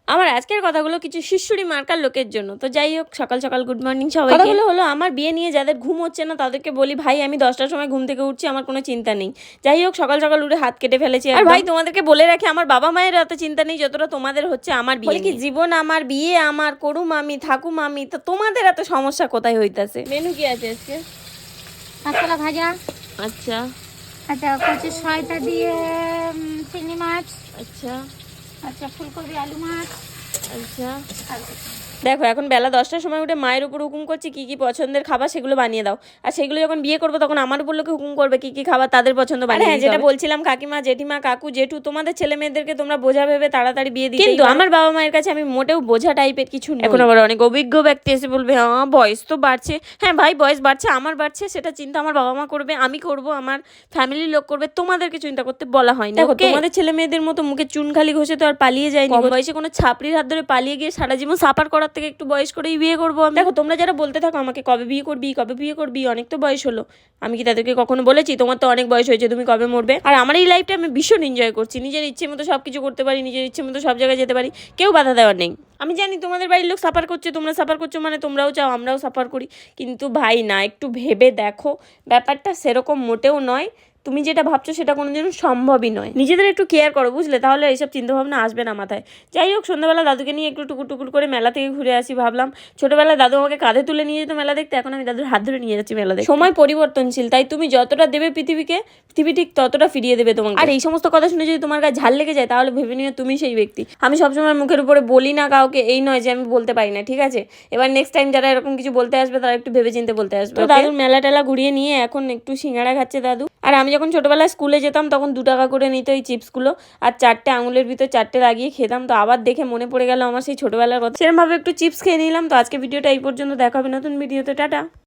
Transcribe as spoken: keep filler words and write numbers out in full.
আমার আজকের কথাগুলো কিছু শিশুড়ি মার্কার লোকের জন্য। তো যাই হোক, সকাল সকাল গুড মর্নিং সবাইকে। কথাগুলো হলো আমার বিয়ে নিয়ে যাদের ঘুম হচ্ছে না তাদেরকে বলি, ভাই আমি দশটার সময় ঘুম থেকে উঠছি, আমার কোনো চিন্তা নেই। যাই হোক, সকাল সকাল উঠে হাত কেটে ফেলেছি। আর ভাই তোমাদেরকে বলে রাখি, আমার বাবা মায়ের এত চিন্তা নেই যতটা তোমাদের হচ্ছে আমার বিয়ে। কি জীবন আমার, বিয়ে আমার, করুম আমি, থাকুম আমি, তো তোমাদের এত সমস্যা কোথায় হইতাছে? মেনু কি আছে আজকে? কাঁচকলা ভাজা, আচ্ছা আচ্ছা কচু শসা দিয়ে উম, চিংড়ি মাছ, আচ্ছা আচ্ছা ফুলকপি আলু মাছ, আচ্ছা। আর কিছু না। দেখো, এখন বেলা দশটার সময় উঠে মায়ের উপর হুকুম করছি কি কি পছন্দের খাবার সেগুলো বানিয়ে দাও। আর সেগুলো যখন বিয়ে করবো তখন আমার উপর লোকে হুকুম করবে কি কি খাবার তাদের পছন্দ বানিয়ে। হ্যাঁ, যেটা বলছিলাম, কাকিমা, জেঠিমা, কাকু, জেঠু, তোমাদের ছেলে মেয়েদেরকে তোমরা বোঝা ভেবে তাড়াতাড়ি বিয়ে দিতে। কিন্তু আমার বাবা মায়ের কাছে আমি মোটেও বোঝা টাইপের কিছু নই। এখন আবার অনেক অভিজ্ঞ ব্যক্তি এসে বলবে হ্যাঁ বয়স তো বাড়ছে। হ্যাঁ ভাই, বয়স বাড়ছে, আমার বাড়ছে, সেটা চিন্তা আমার বাবা মা করবে, আমি করব, আমার ফ্যামিলির লোক করবে, তোমাদেরকে চিন্তা করতে বলা হয় না। দেখো, তোমাদের ছেলে মেয়েদের মতো মুখে চুন খালি ঘষে তো আর পালিয়ে যায়নি। কম বয়সে কোনো ছাপড়ির হাত ধরে পালিয়ে গিয়ে সারা জীবন সাফার করার থেকে একটু বয়স করে বিয়ে করবো আমি। দেখো, তোমরা যারা বলতে থাকো আমাকে কবে বিয়ে করবি কবে বিয়ে করবি, অনেক তো বয়স হলো, আমি কি তাদেরকে কখনো বলেছি তোমার তো অনেক বয়স হয়েছে, তুমি কবে মরবে? আর আমার এই লাইফটা আমি ভীষণ এনজয় করছি, নিজের ইচ্ছে মতো সব কিছু করতে পারি, নিজের ইচ্ছে মতো সব জায়গায় যেতে পারি, কেউ বাধা দেওয়ার নেই। আমি জানি তোমাদের বাড়ির লোক সাফার করছে, তোমরা সাফার করছো মানে তোমরাও চাও আমরাও সাফার করি, কিন্তু ভাই না, একটু ভেবে দেখো, ব্যাপারটা সেরকম মোটেও নয়। তুমি যেটা ভাবছো সেটা কোনোদিনও সম্ভবই নয়। নিজেদের একটু কেয়ার করো, বুঝলে? তাহলে এইসব চিন্তাভাবনা আসবে না মাথায়। যাই হোক, সন্ধ্যাবেলা দাদুকে নিয়ে একটু টুকুর টুকুর করে মেলা থেকে ঘুরে আসি। ভাবলাম ছোটবেলায় দাদু আমাকে কাঁধে তুলে নিয়ে যেত মেলা দেখতে, এখন আমি দাদুর হাত ধরে নিয়ে যাচ্ছি মেলা দেখতে। সময় পরিবর্তনশীল, তাই তুমি যতটা দেবে পৃথিবীকে, পৃথিবী ঠিক ততটা ফিরিয়ে দেবে তোমাকে। আর এই সমস্ত কথা শুনে যদি তোমার গায়ে ঝাল লেগে যায় তাহলে ভেবে নিও তুমি সেই ব্যক্তি। আমি সবসময় মুখের উপরে বলি না কাউকে, এই নয় যে আমি বলতে পারি না, ঠিক আছে? এবার নেক্সট টাইম যারা এরকম কিছু বলতে আসবে তারা একটু ভেবে চিন্তে বলতে আসবে। তো দাদুর মেলা টেলা ঘুরিয়ে নিয়ে এখন একটু সিঙ্গাড়া খাচ্ছে দাদু। আর আমি যখন ছোটবেলায় স্কুলে যেতাম তখন দু টাকা করে নিত এই চিপসগুলো, আর চারটে আঙুলের ভিতর চারটে লাগিয়ে খেতাম। তো আবার দেখে মনে পড়ে গেল আমার সেই ছোটবেলার কথা, সেরকম ভাবে একটু চিপস খেয়ে নিলাম। তো আজকে ভিডিওটা এই পর্যন্ত, দেখা হবে নতুন ভিডিওতে, টাটা।